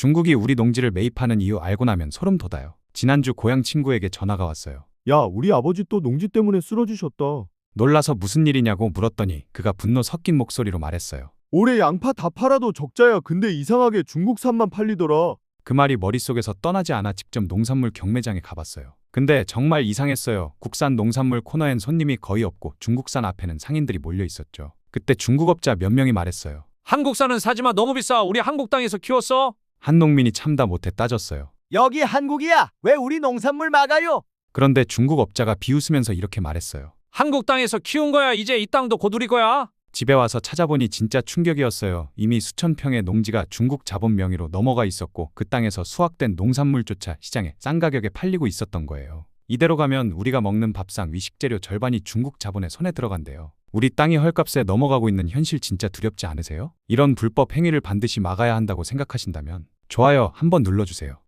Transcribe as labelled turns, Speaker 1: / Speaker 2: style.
Speaker 1: 중국이 우리 농지를 매입하는 이유 알고 나면 소름 돋아요. 지난주 고향 친구에게 전화가 왔어요.
Speaker 2: 야, 우리 아버지 또 농지 때문에 쓰러지셨다.
Speaker 1: 놀라서 무슨 일이냐고 물었더니 그가 분노 섞인 목소리로 말했어요.
Speaker 2: 올해 양파 다 팔아도 적자야. 근데 이상하게 중국산만 팔리더라.
Speaker 1: 그 말이 머릿속에서 떠나지 않아 직접 농산물 경매장에 가봤어요. 근데 정말 이상했어요. 국산 농산물 코너엔 손님이 거의 없고 중국산 앞에는 상인들이 몰려 있었죠. 그때 중국업자 몇 명이 말했어요.
Speaker 3: 한국산은 사지마, 너무 비싸. 우리 한국 땅에서 키웠어.
Speaker 1: 한 농민이 참다 못해 따졌어요.
Speaker 4: 여기 한국이야. 왜 우리 농산물 막아요?
Speaker 1: 그런데 중국업자가 비웃으면서 이렇게 말했어요.
Speaker 3: 한국 땅에서 키운 거야. 이제 이 땅도 곧 우리 거야.
Speaker 1: 집에 와서 찾아보니 진짜 충격이었어요. 이미 수천 평의 농지가 중국 자본 명의로 넘어가 있었고 그 땅에서 수확된 농산물조차 시장에 싼 가격에 팔리고 있었던 거예요. 이대로 가면 우리가 먹는 밥상 위식재료 절반이 중국 자본의 손에 들어간대요. 우리 땅이 헐값에 넘어가고 있는 현실 진짜 두렵지 않으세요? 이런 불법 행위를 반드시 막아야 한다고 생각하신다면 좋아요 한번 눌러주세요.